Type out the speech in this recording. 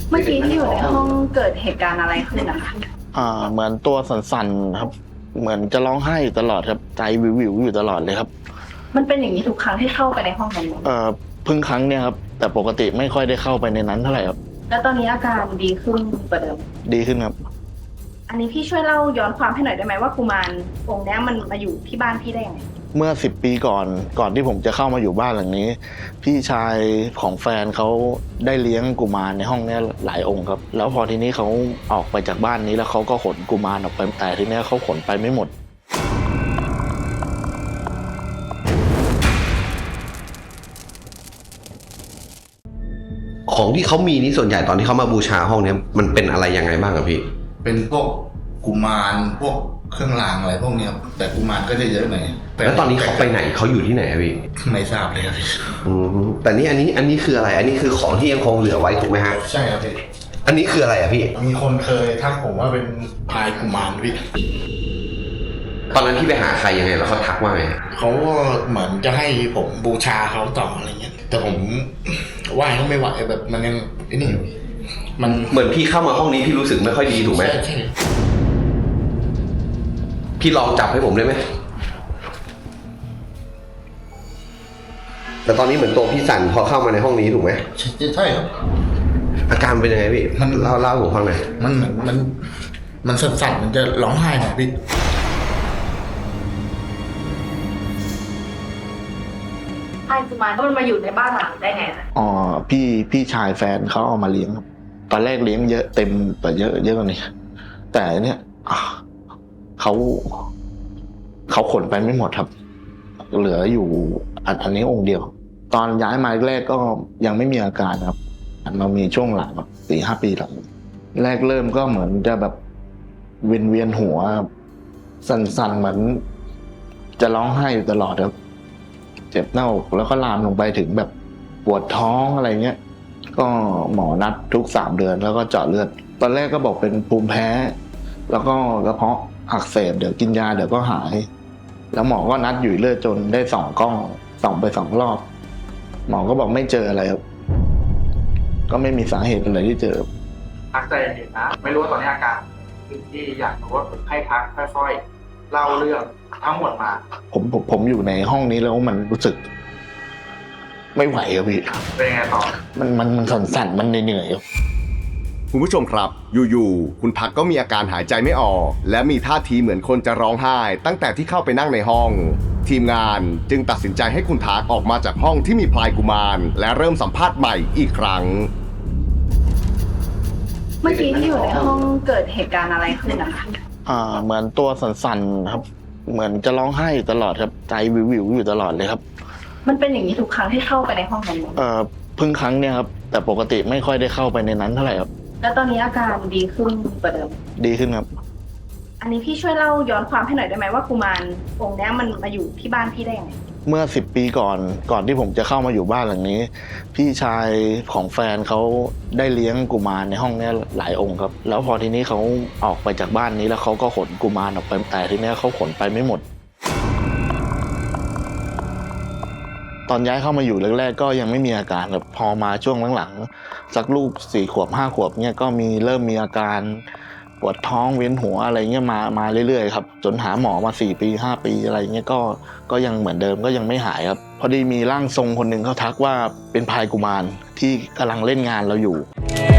เมื่อกี้ที่อยู่ในห้องเกิดเหตุการณ์อะไรขึ้นนะคะเหมือนตัวสั่นๆครับ เหมือนจะร้องไห้อยู่ตลอดครับใจวิวๆอยู่ตลอดเลยครับมันเป็นอย่างนี้ทุกครั้งที่เข้าไปในห้องนั้นไหมเพิ่งครั้งเนี่ยครับแต่ปกติไม่ค่อยได้เข้าไปในนั้นเท่าไหร่ครับแล้วตอนนี้อาการดีขึ้นกว่าเดิมดีขึ้นครับอันนี้พี่ช่วยเล่าย้อนความให้หน่อยได้ไหมว่ากุมารองค์นี้มันมาอยู่ที่บ้านพี่ได้ยังไงเมื่อ10 ปีก่อนที่ผมจะเข้ามาอยู่บ้านหลังนี้พี่ชายของแฟนเขาได้เลี้ยงกุมารในห้องนี้หลายองค์ครับแล้วพอทีนี้เขาออกไปจากบ้านนี้แล้วเขาก็ขนกุมารออกไปแต่ทีนี้เขาขนไปไม่หมดของที่เขามีนี่ส่วนใหญ่ตอนที่เขามาบูชาห้องนี้มันเป็นอะไรยังไงบ้างครับพี่เป็นพวกกุมารพวกเครื่องรางอะไรพวกนี้ครับแต่กุมารก็จะเยอะหน่อยแล้วตอนนี้เขาไปไหนเขาอยู่ที่ไหนครับพี่ไม่ทราบเลยครับพี่แต่นี่อันนี้คืออะไรอันนี้คือของที่ยังคงเหลือไว้ถูกไหมฮะใช่ครับพี่อันนี้คืออะไรอะพี่มีคนเคยทักผมว่าเป็นพายกุมารพี่ตอนนั้นพี่ไปหาใครยังไงแล้วเขาทักว่าไงเขาก็เหมือนจะให้ผมบูชาเขาต่ออะไรเงี้ยแต่ผมไหว้เขาไม่ไหวแบบมันยังไอ้นี่มันเหมือนพี่เข้ามาห้องนี้พี่รู้สึกไม่ค่อยดีถูกไหมใช่พี่ลองจับให้ผมได้ไหมแต่ตอนนี้เหมือนตัวพี่สั่นพอเข้ามาในห้องนี้ถูกไหมใช่ครับอาการเป็นยังไงพี่มันเล่าผมฟังหน่อยมันเหมือนมันสั่นมันจะร้องไห้หน่อยพี่ไอ้กุมารมันมาอยู่ในบ้านหลังได้ไงพี่ชายแฟนเขาเอามาเลี้ยงครับตอนแรกเลี้ยงเยอะเต็มแต่เยอะกว่านี้แต่เนี่ยเขาขนไปไม่หมดครับเหลืออยู่อันนี้องค์เดียวตอนย้ายมาแรกก็ยังไม่มีอาการครับมามีช่วงหลัง4-5 ปีหลังแรกเริ่มก็เหมือนจะแบบเวียนหัวสั่นๆเหมือนจะร้องไห้อยู่ตลอดครับเจ็บหน้าอกแล้วก็ลามลงไปถึงแบบปวดท้องอะไรเงี้ยก็หมอนัดทุก3 เดือนแล้วก็เจาะเลือดตอนแรกก็บอกเป็นภูมิแพ้แล้วก็กระเพาะอักเสบเดี๋ยวกินยาเดี๋ยวก็หายแล้วหมอก็นัดอยู่เลือดจนได้2 กล้องส่องไป2 รอบหมอก็บอกไม่เจออะไรครับก็ไม่มีสาเหตุอะไรที่เจอพักใจเย็นนะไม่รู้ว่าตอนนี้อาการที่อยากรู้ว่าให้พักค่อยๆเล่าเรื่องทั้งหมดมาผมอยู่ในห้องนี้แล้วมันรู้สึกไม่ไหวครับพี่เป็นไงต่อมันสั่นมันเหนื่อยครับคุณผู้ชมครับอยู่ๆคุณพักก็มีอาการหายใจไม่ออกและมีท่าทีเหมือนคนจะร้องไห้ตั้งแต่ที่เข้าไปนั่งในห้องทีมงานจึงตัดสินใจให้คุณทักออกมาจากห้องที่มีพลายกุมารและเริ่มสัมภาษณ์ใหม่อีกครั้งเมื่อกี้ที่อยู่ในห้องเกิดเหตุการณ์อะไรขึ้นนะคะเหมือนตัวสั่นๆครับเหมือนจะร้องไห้อยู่ตลอดครับใจวิวอยู่ตลอดเลยครับมันเป็นอย่างนี้ทุกครั้งที่เข้าไปในห้องนั้นไหมเพิ่งครั้งเนี่ยครับแต่ปกติไม่ค่อยได้เข้าไปในนั้นเท่าไหร่ครับแล้วตอนนี้อาการดีขึ้นกว่าเดิมดีขึ้นครับอันนี้พี่ช่วยเล่าย้อนความให้หน่อยได้ไหมว่ากุมารองค์นี้มันมาอยู่ที่บ้านพี่ได้ยังไงเมื่อ10 ปีก่อนที่ผมจะเข้ามาอยู่บ้านหลังนี้พี่ชายของแฟนเขาได้เลี้ยงกุมารในห้องนี้หลายองค์ครับแล้วพอทีนี้เขาออกไปจากบ้านนี้แล้วเขาก็ขนกุมารออกไปแต่ทีนี้เขาขนไปไม่หมดตอนย้ายเข้ามาอยู่แรกๆก็ยังไม่มีอาการแบบพอมาช่วงหลังๆสักลูก4 ขวบ5 ขวบเนี่ยก็เริ่มมีอาการปวดท้องเวียนหัวอะไรเงี้ยมาเรื่อยๆครับจนหาหมอมา4 ปี 5 ปีอะไรเงี้ยก็ยังเหมือนเดิมก็ยังไม่หายครับพอดีมีร่างทรงคนหนึ่งเขาทักว่าเป็นพลายกุมารที่กำลังเล่นงานเราอยู่